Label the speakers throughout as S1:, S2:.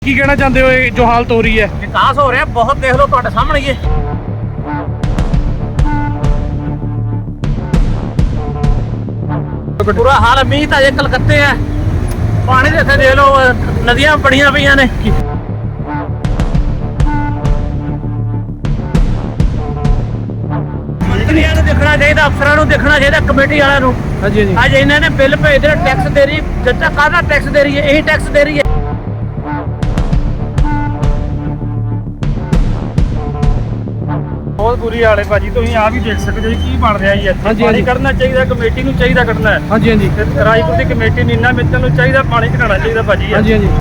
S1: ਕੀ ਕਹਿਣਾ ਚਾਹੁੰਦੇ ਹੋ ਇਹ ਜੋ ਹਾਲਤ ਹੋ ਰਹੀ ਹੈ?
S2: विकास हो रहा है बहुत, देख लो ਤੁਹਾਡੇ ਸਾਹਮਣੇ ਹੀ ਹੈ। बुरा हाल है। मीह तो अजे कलकत्ते है, पानी तो इतने देख लो नदियां बड़िया पईयां ने। मंत्रियों को देखना चाहिए, अफसरों को देखना चाहिए, कमेटी वालों को।
S1: हाँ जी, हाँ जी।
S2: अज इन्होंने बिल भेजते टैक्स दे रही, जनता काहदा टैक्स दे रही है? यही टैक्स दे रही है।
S3: बहुत बुरी हाल है भाजी, तुम आ भी देख सकते हो की बन रहा है।
S1: हाँ जी, हाँ
S3: पानी
S1: जी।
S3: कढ़ना चाहिए, कमेटी ਨੂੰ ਚਾਹੀਦਾ ਕੱਢਣਾ है।
S1: हाँ जी, हाँ जी।
S3: ਤੇ ਰਾਜਪੁਰ ਦੀ ਕਮੇਟੀ ਨੂੰ ਇੰਨਾ ਮਿੱਤਲ ਨੂੰ ਚਾਹੀਦਾ ਪਾਣੀ ਘਟਾਉਣਾ ਚਾਹੀਦਾ ਭਾਜੀ।
S1: हाँ जी, हाँ जी।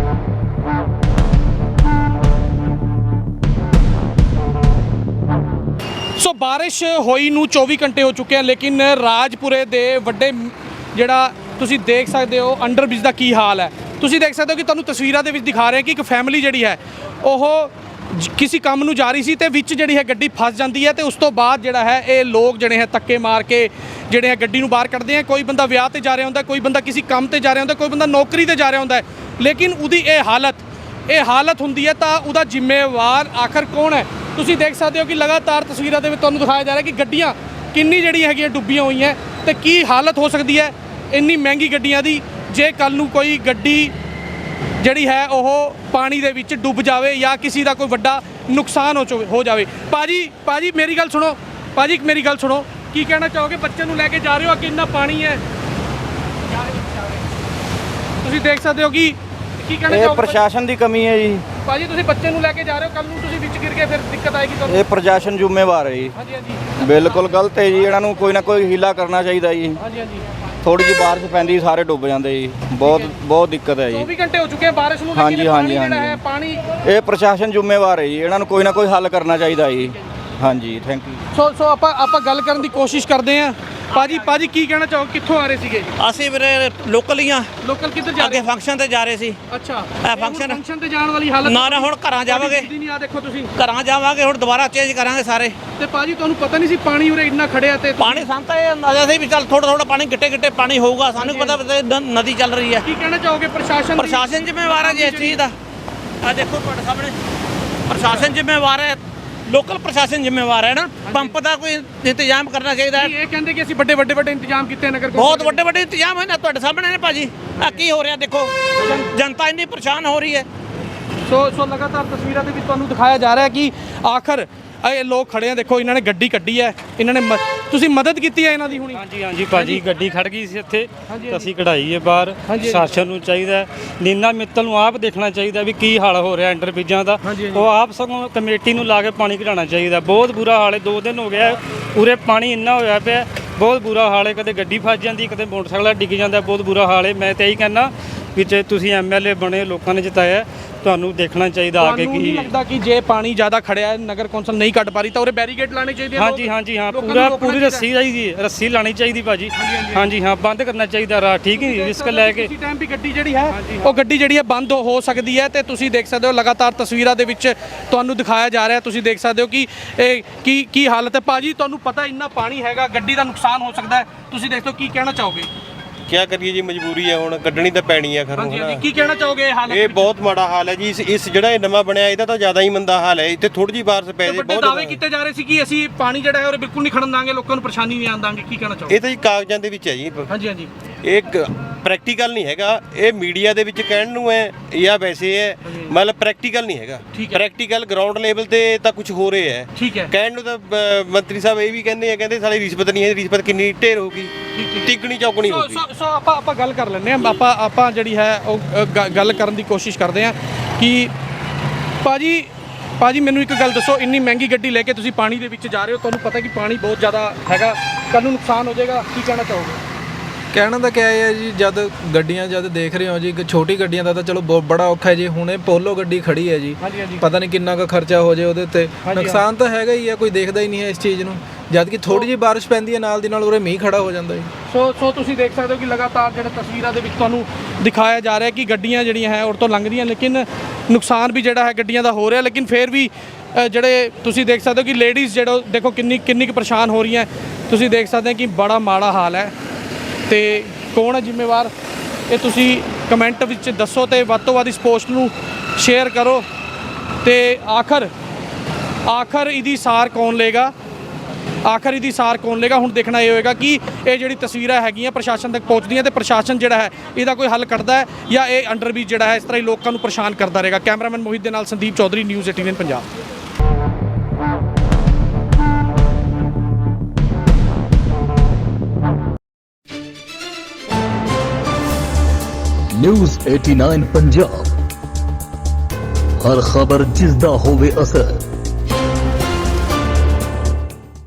S1: ਸੋ ਬਾਰਿਸ਼ ਹੋਈ ਨੂੰ 24 ਘੰਟੇ ਹੋ ਚੁੱਕੇ ਆ, ਲੇਕਿਨ ਰਾਜਪੁਰੇ ਦੇ ਵੱਡੇ ਜਿਹੜਾ ਤੁਸੀਂ ਦੇਖ ਸਕਦੇ ਹੋ ਅੰਡਰਬ੍ਰਿਜ ਦਾ ਕੀ ਹਾਲ ਹੈ। ਤੁਸੀਂ ਦੇਖ ਸਕਦੇ ਹੋ ਕਿ ਤੁਹਾਨੂੰ ਤਸਵੀਰਾਂ ਦੇ ਵਿੱਚ ਦਿਖਾ ਰਹੇ ਕਿ ਇੱਕ ਫੈਮਿਲੀ ਜਿਹੜੀ ਹੈ ਉਹ ਕਿਸੇ ਕੰਮ ਨੂੰ ਜਾ ਰਹੀ ਸੀ ਤੇ ਵਿੱਚ ਜਿਹੜੀ ਹੈ ਗੱਡੀ ਫਸ ਜਾਂਦੀ ਹੈ ਤੇ ਉਸ ਤੋਂ ਬਾਅਦ ਜਿਹੜਾ ਹੈ ਇਹ ਲੋਕ ਜਿਹੜੇ ਹੈ ਧੱਕੇ ਮਾਰ ਕੇ ਜਿਹੜੇ ਹੈ ਗੱਡੀ ਨੂੰ ਬਾਹਰ ਕੱਢਦੇ ਆ। ਕੋਈ ਬੰਦਾ ਵਿਆਹ ਤੇ ਜਾ ਰਿਹਾ ਹੁੰਦਾ, ਕੋਈ ਬੰਦਾ ਕਿਸੇ ਕੰਮ ਤੇ ਜਾ ਰਿਹਾ ਹੁੰਦਾ, ਕੋਈ ਬੰਦਾ ਨੌਕਰੀ ਤੇ ਜਾ ਰਿਹਾ ਹੁੰਦਾ, ਲੇਕਿਨ ਉਹਦੀ ਇਹ ਹਾਲਤ ਹੁੰਦੀ ਹੈ ਤਾਂ ਉਹਦਾ ਜ਼ਿੰਮੇਵਾਰ ਆਖਰ ਕੌਣ ਹੈ? ਤੁਸੀਂ ਦੇਖ ਸਕਦੇ ਹੋ ਕਿ ਲਗਾਤਾਰ ਤਸਵੀਰਾਂ ਦੇ ਵਿੱਚ ਤੁਹਾਨੂੰ ਦਿਖਾਇਆ ਜਾ ਰਿਹਾ ਕਿ ਗੱਡੀਆਂ ਕਿੰਨੀ ਜਿਹੜੀਆਂ ਹੈਗੀਆਂ ਡੁੱਬੀਆਂ ਹੋਈਆਂ ਤੇ ਕੀ ਹਾਲਤ ਹੋ ਸਕਦੀ ਹੈ ਇੰਨੀ ਮਹਿੰਗੀ ਗੱਡੀਆਂ ਦੀ ਜੇ ਕੱਲ ਨੂੰ ਕੋਈ ਗੱਡੀ ਜਿਹੜੀ ਹੈ ਉਹ ਪਾਣੀ ਦੇ ਵਿੱਚ ਡੁੱਬ ਜਾਵੇ ਜਾਂ ਕਿਸੇ ਦਾ ਕੋਈ ਵੱਡਾ ਨੁਕਸਾਨ ਹੋ ਜਾਵੇ। ਭਾਜੀ ਮੇਰੀ ਗੱਲ ਸੁਣੋ, ਮੇਰੀ ਗੱਲ ਸੁਣੋ, ਕੀ ਕਹਿਣਾ ਚਾਹੋਗੇ? ਬੱਚੇ ਨੂੰ ਲੈ ਕੇ ਜਾ ਰਹੇ ਹੋ, ਕਿੰਨਾ ਪਾਣੀ ਹੈ, ਤੁਸੀਂ ਦੇਖ ਸਕਦੇ ਹੋ ਕਿ ਕੀ ਕਹਿਣਾ ਚਾਹੋਗੇ?
S4: ਪ੍ਰਸ਼ਾਸਨ ਦੀ ਕਮੀ ਹੈ ਜੀ।
S1: ਭਾਜੀ ਤੁਸੀਂ ਬੱਚੇ ਨੂੰ ਲੈ ਕੇ ਜਾ ਰਹੇ ਹੋ, ਕੱਲ ਨੂੰ ਤੁਸੀਂ ਵਿੱਚ ਗਿਰ ਕੇ ਫਿਰ ਦਿੱਕਤ ਆਏਗੀ ਤੁਹਾਨੂੰ।
S4: ਇਹ ਪ੍ਰਸ਼ਾਸਨ ਜ਼ਿੰਮੇਵਾਰ ਹੈ ਜੀ।
S1: ਹਾਂਜੀ ਹਾਂਜੀ
S4: ਬਿਲਕੁਲ ਗਲਤ ਹੈ ਜੀ, ਇਹਨਾਂ ਨੂੰ ਕੋਈ ਨਾ ਕੋਈ ਹੀਲਾ ਕਰਨਾ ਚਾਹੀਦਾ ਜੀ।
S1: ਹਾਂਜੀ ਹਾਂਜੀ।
S4: ਥੋੜੀ ਜਿਹੀ ਬਾਰਿਸ਼ ਪੈਂਦੀ ਸਾਰੇ ਡੁੱਬ ਜਾਂਦੇ ਜੀ। ਬਹੁਤ ਦਿੱਕਤ ਹੈ ਜੀ।
S1: 24 ਘੰਟੇ ਹੋ ਚੁੱਕੇ ਆ ਬਾਰਿਸ਼ ਨੂੰ,
S4: ਹਾਂਜੀ,
S1: ਲੇਕਿਨ
S4: ਹਾਂਜੀ,
S1: ਪਾਣੀ ਜਿਹੜਾ ਹੈ
S4: ਹਾਂਜੀ।
S1: ਪਾਣੀ
S4: ਇਹ ਪ੍ਰਸ਼ਾਸਨ ਜ਼ਿੰਮੇਵਾਰ ਹੈ ਜੀ, ਇਹਨਾਂ ਨੂੰ ਕੋਈ ਨਾ ਕੋਈ ਹੱਲ ਕਰਨਾ ਚਾਹੀਦਾ ਜੀ। ਹਾਂਜੀ, ਥੈਂਕ ਯੂ।
S1: ਸੋ ਆਪਾਂ ਗੱਲ ਕਰਨ ਦੀ ਕੋਸ਼ਿਸ਼ ਕਰਦੇ ਆਂ। ਭਾਜੀ ਕੀ ਕਹਿਣਾ ਚਾਹੋ, ਕਿੱਥੋਂ ਆ ਰਹੇ ਸੀਗੇ ਜੀ?
S2: ਅਸੀਂ ਵੀਰੇ ਲੋਕਲ ਹੀ ਆ,
S1: ਲੋਕਲ ਕਿੱਧਰ ਜਾ
S2: ਅੱਗੇ
S1: ਰਹੇ?
S2: ਫੰਕਸ਼ਨ ਤੇ ਜਾ ਰਹੇ ਸੀ।
S1: ਅੱਛਾ,
S2: ਇਹ
S1: ਫੰਕਸ਼ਨ ਤੇ ਜਾਣ ਵਾਲੀ ਹਾਲਤ
S2: ਨਾ ਹੁਣ ਘਰਾਂ ਜਾਵਾਂਗੇ,
S1: ਨਹੀਂ ਆ ਦੇਖੋ ਤੁਸੀਂ
S2: ਘਰਾਂ ਜਾਵਾਂਗੇ, ਹੁਣ ਦੁਬਾਰਾ ਚੇਂਜ ਕਰਾਂਗੇ ਸਾਰੇ।
S1: ਤੇ ਭਾਜੀ ਤੁਹਾਨੂੰ ਪਤਾ ਨਹੀਂ ਸੀ ਪਾਣੀ ਉਰੇ ਇੰਨਾ ਖੜਿਆ ਤੇ
S2: ਪਾਣੀ ਸਾਨੂੰ ਤਾਂ ਇਹ ਅੰਦਾਜ਼ਾ ਸੀ ਵੀ ਚੱਲ ਥੋੜਾ ਪਾਣੀ ਗਿੱਟੇ ਪਾਣੀ ਹੋਊਗਾ, ਸਾਨੂੰ ਪਤਾ ਨਦੀ ਚੱਲ ਰਹੀ ਹੈ।
S1: ਕੀ ਕਹਿਣਾ ਚਾਹੋਗੇ
S2: ਪ੍ਰਸ਼ਾਸਨ ਜ਼ਿੰਮੇਵਾਰ ਹੈ ਜੀ ਇਸ ਚੀਜ਼ ਦਾ। ਆ ਦੇਖੋ ਤੁਹਾਡੇ ਸਾਹਮਣੇ ਪ੍ਰਸ਼ਾਸਨ ਜ਼ਿੰਮੇਵਾਰ ਹੈ, ਲੋਕਲ ਪ੍ਰਸ਼ਾਸਨ ਜ਼ਿੰਮੇਵਾਰ ਹੈ ਨਾ। ਪੰਪ ਦਾ ਕੋਈ ਇੰਤਜ਼ਾਮ ਕਰਨਾ ਚਾਹੀਦਾ ਹੈ।
S1: ਇਹ ਕਹਿੰਦੇ ਕਿ ਅਸੀਂ ਵੱਡੇ ਇੰਤਜ਼ਾਮ ਕੀਤੇ ਨਗਰ
S2: ਬਹੁਤ ਵੱਡੇ ਇੰਤਜ਼ਾਮ ਹੈ ਨਾ, ਤੁਹਾਡੇ ਸਾਹਮਣੇ ਨੇ ਭਾਜੀ। ਆ ਕੀ ਹੋ ਰਿਹਾ ਦੇਖੋ, ਜਨਤਾ ਇੰਨੀ ਪਰੇਸ਼ਾਨ ਹੋ ਰਹੀ ਹੈ।
S1: ਸੋ ਲਗਾਤਾਰ ਤਸਵੀਰਾਂ ਦੇ ਵਿੱਚ ਤੁਹਾਨੂੰ ਦਿਖਾਇਆ ਜਾ ਰਿਹਾ ਹੈ ਕਿ ਆਖਰ ਇਹ ਲੋਕ ਖੜੇ ਆ, ਦੇਖੋ ਇਹਨਾਂ ਨੇ ਗੱਡੀ ਕੱਢੀ ਹੈ, ਇਹਨਾਂ ਨੇ ਤੁਸੀਂ ਮਦਦ ਕੀਤੀ ਹੈ ਇਹਨਾਂ ਦੀ ਹੁਣੀ?
S3: ਹਾਂਜੀ ਭਾਜੀ, ਗੱਡੀ ਖੜ ਗਈ ਸੀ ਇੱਥੇ,
S1: ਹਾਂਜੀ।
S3: ਅਸੀਂ ਕਢਾਈ ਹੈ ਬਾਹਰ। ਪ੍ਰਸ਼ਾਸਨ ਨੂੰ ਚਾਹੀਦਾ, ਨੀਨਾ ਮਿੱਤਲ ਨੂੰ ਆਪ ਦੇਖਣਾ ਚਾਹੀਦਾ ਵੀ ਕੀ ਹਾਲ ਹੋ ਰਿਹਾ ਅੰਡਰਬ੍ਰਿਜਾਂ ਦਾ। ਉਹ ਆਪ ਸਗੋਂ ਕਮੇਟੀ ਨੂੰ ਲਾ ਕੇ ਪਾਣੀ ਘਟਾਉਣਾ ਚਾਹੀਦਾ। ਬਹੁਤ ਬੁਰਾ ਹਾਲ ਹੈ, 2 ਦਿਨ ਹੋ ਗਿਆ ਪੂਰੇ ਪਾਣੀ ਇੰਨਾ ਹੋਇਆ ਪਿਆ, ਬਹੁਤ ਬੁਰਾ ਹਾਲ ਹੈ। ਕਦੇ ਗੱਡੀ ਫਸ ਜਾਂਦੀ, ਕਦੇ ਮੋਟਰਸਾਈਕਲ ਡਿੱਗ ਜਾਂਦਾ, ਬਹੁਤ ਬੁਰਾ ਹਾਲ ਹੈ। ਮੈਂ ਤਾਂ ਇਹੀ ਕਹਿੰਦਾ ਵੀ ਜੇ ਤੁਸੀਂ ਐਮਐਲਏ ਬਣੇ, ਲੋਕਾਂ ਨੇ ਜਿਤਾਇਆ, ਤੁਹਾਨੂੰ ਦੇਖਣਾ ਚਾਹੀਦਾ ਆ ਕੇ ਕੀ
S1: ਲੱਗਦਾ ਕਿ ਜੇ ਪਾਣੀ ਜ਼ਿਆਦਾ ਖੜਿਆ ਨਗਰ ਕੌਂਸਲ ਨਹੀਂ ਕੱਢ ਪਾ ਰਹੀ ਤਾਂ ਉਰੇ ਬੈਰੀਕੇਡ ਲਾਣੇ ਚਾਹੀਦੇ ਆ?
S3: ਹਾਂਜੀ ਹਾਂ, ਪੂਰੀ ਰੱਸੀ ਚਾਹੀਦੀ, ਰੱਸੀ ਲਾਣੀ ਚਾਹੀਦੀ ਭਾਜੀ। ਹਾਂਜੀ ਹਾਂ, ਬੰਦ ਕਰਨਾ ਚਾਹੀਦਾ ਰਾਹ, ਠੀਕ ਹੈ। ਰਿਸਕ ਲੈ ਕੇ
S1: ਕਿਸੇ ਟਾਈਮ ਵੀ ਗੱਡੀ ਜਿਹੜੀ ਹੈ ਉਹ ਗੱਡੀ ਜਿਹੜੀ ਹੈ ਬੰਦ ਹੋ ਸਕਦੀ ਹੈ ਤੇ ਤੁਸੀਂ ਦੇਖ ਸਕਦੇ ਹੋ ਲਗਾਤਾਰ ਤਸਵੀਰਾਂ ਦੇ ਵਿੱਚ ਤੁਹਾਨੂੰ ਦਿਖਾਇਆ ਜਾ ਰਿਹਾ। ਤੁਸੀਂ ਦੇਖ ਸਕਦੇ ਹੋ ਕਿ ਇਹ ਕੀ ਹਾਲਤ ਹੈ। ਭਾਜੀ ਤੁਹਾਨੂੰ ਪਤਾ ਇੰਨਾ ਪਾਣੀ ਹੈਗਾ, ਗੱਡੀ ਦਾ ਨੁਕਸਾਨ ਹੋ ਸਕਦਾ ਹੈ, ਤੁਸੀਂ ਦੇਖੋ ਕੀ ਕਹਿਣਾ ਚਾਹੋਗੇ?
S5: क्या करिए जी, मजबूरी है, हुण कड्ढनी ਤਾਂ ਪੈਣੀ ਹੈ ਖਰੋਂ।
S1: ਕੀ ਕਹਿਣਾ ਚਾਹੋਗੇ ਇਹ ਹਾਲਤ?
S5: ਇਹ ਬਹੁਤ ਮਾੜਾ ਹਾਲ ਹੈ ਜੀ। ਇਸ ਜਿਹੜਾ ਇਹ ਨਵਾਂ ਬਣਿਆ ਇਹਦਾ ਤਾਂ ਜ਼ਿਆਦਾ ਹੀ ਮੰਦਾ ਹਾਲ ਹੈ। ਇੱਥੇ ਥੋੜੀ ਜਿਹੀ ਬਾਰਿਸ਼ ਪੈ ਜੇ
S1: ਵੱਡੇ ਦਾਅਵੇ ਕੀਤੇ ਜਾ ਰਹੇ ਸੀ ਕਿ ਅਸੀਂ ਪਾਣੀ ਜਿਹੜਾ ਹੈ ਉਹ ਬਿਲਕੁਲ ਨਹੀਂ ਖੜਨ ਦਾਂਗੇ, ਲੋਕਾਂ ਨੂੰ ਪਰੇਸ਼ਾਨੀ ਨਹੀਂ ਆਉਣ ਦਾਂਗੇ, ਕੀ ਕਹਿਣਾ ਚਾਹੋਗੇ?
S5: ਇਹ ਤਾਂ ਜੀ ਕਾਗਜ਼ਾਂ ਦੇ ਵਿੱਚ ਹੈ ਜੀ।
S1: ਹਾਂਜੀ
S5: ਇਹ ਪ੍ਰੈਕਟੀਕਲ ਨਹੀਂ ਹੈਗਾ। ਇਹ ਮੀਡੀਆ ਦੇ ਵਿੱਚ ਕਹਿਣ ਨੂੰ ਹੈ ਜਾਂ ਵੈਸੇ ਹੈ, ਮਤਲਬ ਪ੍ਰੈਕਟੀਕਲ ਨਹੀਂ ਹੈਗਾ। ਪ੍ਰੈਕਟੀਕਲ ਗਰਾਊਂਡ ਲੈਵਲ ਤੇ ਤਾਂ ਕੁਝ ਹੋ ਰਿਹਾ ਹੈ।
S1: ਠੀਕ ਹੈ।
S5: ਕਹਿਣ ਨੂੰ ਤਾਂ ਮੰਤਰੀ ਸਾਹਿਬ ਇਹ ਵੀ ਕਹਿੰਦੇ ਸਾਡੀ ਰਿਸ਼ਵਤ ਨਹੀਂ ਹੈ। ਰਿਸ਼ਵਤ ਕਿੰਨੀ ਢੇਰ ਹੋਊਗੀ, ਤਿੱਗਣੀ ਚੌਗਣੀ ਹੋਊਗੀ।
S1: ਸੋ ਆਪਾਂ ਗੱਲ ਕਰ ਲੈਂਦੇ ਹਾਂ। ਆਪਾਂ ਜਿਹੜੀ ਹੈ ਉਹ ਗੱਲ ਕਰਨ ਦੀ ਕੋਸ਼ਿਸ਼ ਕਰਦੇ ਹਾਂ ਕਿ ਭਾਜੀ ਮੈਨੂੰ ਇੱਕ ਗੱਲ ਦੱਸੋ, ਇੰਨੀ ਮਹਿੰਗੀ ਗੱਡੀ ਲੈ ਕੇ ਤੁਸੀਂ ਪਾਣੀ ਦੇ ਵਿੱਚ ਜਾ ਰਹੇ ਹੋ, ਤੁਹਾਨੂੰ ਪਤਾ ਕਿ ਪਾਣੀ ਬਹੁਤ ਜ਼ਿਆਦਾ ਹੈਗਾ, ਕੱਲ ਨੂੰ ਨੁਕਸਾਨ ਹੋ ਜਾਏਗਾ, ਕੀ ਕਹਿਣਾ ਚਾਹੋਗੇ?
S6: ਕਹਿਣਾ ਤਾਂ ਕਿਆ ਹੈ ਜੀ, ਜਦ ਦੇਖ ਰਹੇ ਹੋ ਜੀ, ਇੱਕ ਛੋਟੀ ਗੱਡੀਆਂ ਦਾ ਤਾਂ ਚਲੋ ਬਹੁਤ ਬੜਾ ਔਖਾ ਹੈ ਜੀ। ਹੁਣੇ ਪੋਲੋ ਗੱਡੀ ਖੜੀ ਹੈ ਜੀ, ਪਤਾ ਨਹੀਂ ਕਿੰਨਾ ਕੁ ਖਰਚਾ ਹੋ ਜਾਏ ਉਹਦੇ ਉੱਤੇ। ਨੁਕਸਾਨ ਤਾਂ ਹੈਗਾ ਹੀ ਹੈ, ਕੋਈ ਦੇਖਦਾ ਹੀ ਨਹੀਂ ਹੈ ਇਸ ਚੀਜ਼ ਨੂੰ। ਜਦ ਕਿ ਥੋੜੀ ਜਿਹੀ ਬਾਰਿਸ਼ ਪੈਂਦੀ ਹੈ ਨਾਲ ਦੀ ਨਾਲ ਉਰੇ ਮੀਂਹ ਖੜਾ ਹੋ ਜਾਂਦਾ ਜੀ।
S1: ਸੋ ਤੁਸੀਂ ਦੇਖ ਸਕਦੇ ਹੋ ਕਿ ਲਗਾਤਾਰ ਜਿਹੜੇ ਤਸਵੀਰਾਂ ਦੇ ਵਿੱਚ ਤੁਹਾਨੂੰ ਦਿਖਾਇਆ ਜਾ ਰਿਹਾ ਕਿ ਗੱਡੀਆਂ ਜਿਹੜੀਆਂ ਹੈ ਉਹ ਤੋਂ ਲੰਘਦੀਆਂ, ਲੇਕਿਨ ਨੁਕਸਾਨ ਵੀ ਜਿਹੜਾ ਹੈ ਗੱਡੀਆਂ ਦਾ ਹੋ ਰਿਹਾ। ਲੇਕਿਨ ਫਿਰ ਵੀ ਜਿਹੜੇ ਤੁਸੀਂ ਦੇਖ ਸਕਦੇ ਹੋ ਕਿ ਲੇਡੀਜ਼ ਜਿਹੜਾ ਦੇਖੋ ਕਿੰਨੀ ਕੁ ਪਰੇਸ਼ਾਨ ਹੋ ਰਹੀਆਂ। ਤੁਸੀਂ ਦੇਖ ਸਕਦੇ ਹੋ ਕਿ ਬੜਾ ਮਾੜਾ ਹਾਲ ਹੈ। ਤੇ ਕੌਣ ਹੈ ਜ਼ਿੰਮੇਵਾਰ? ਇਹ ਤੁਸੀਂ ਕਮੈਂਟ ਵਿੱਚ ਦੱਸੋ ਤੇ ਵੱਧ ਤੋਂ ਵੱਧ ਇਸ ਪੋਸਟ ਨੂੰ ਸ਼ੇਅਰ ਕਰੋ। ਤੇ ਆਖਰ ਇਹਦੀ ਸਾਰ ਕੌਣ ਲਏਗਾ, ਹੁਣ ਦੇਖਣਾ ਇਹ ਹੋਏਗਾ ਕਿ ਇਹ ਜਿਹੜੀ ਤਸਵੀਰਾਂ ਹੈਗੀਆਂ ਪ੍ਰਸ਼ਾਸਨ ਤੱਕ ਪਹੁੰਚਦੀਆਂ ਤੇ ਪ੍ਰਸ਼ਾਸਨ ਜਿਹੜਾ ਹੈ ਇਹਦਾ ਕੋਈ ਹੱਲ ਕੱਢਦਾ ਹੈ ਜਾਂ ਇਹ ਅੰਡਰਬ੍ਰਿਜ ਜਿਹੜਾ ਹੈ ਇਸ ਤਰ੍ਹਾਂ ਹੀ ਲੋਕਾਂ ਨੂੰ ਪਰੇਸ਼ਾਨ ਕਰਦਾ ਰਹੇਗਾ। ਕੈਮਰਾਮੈਨ ਮੋਹਿਤ ਦੇ ਨਾਲ ਸੰਦੀਪ ਚੌਧਰੀ, ਨਿਊਜ਼ 18 ਪੰਜਾਬ।
S7: ਨਿਊਜ਼ 89 ਪੰਜਾਬ, ਹਰ ਖਬਰ ਜਿਸ ਦਾ ਹੋਵੇ ਅਸਰ।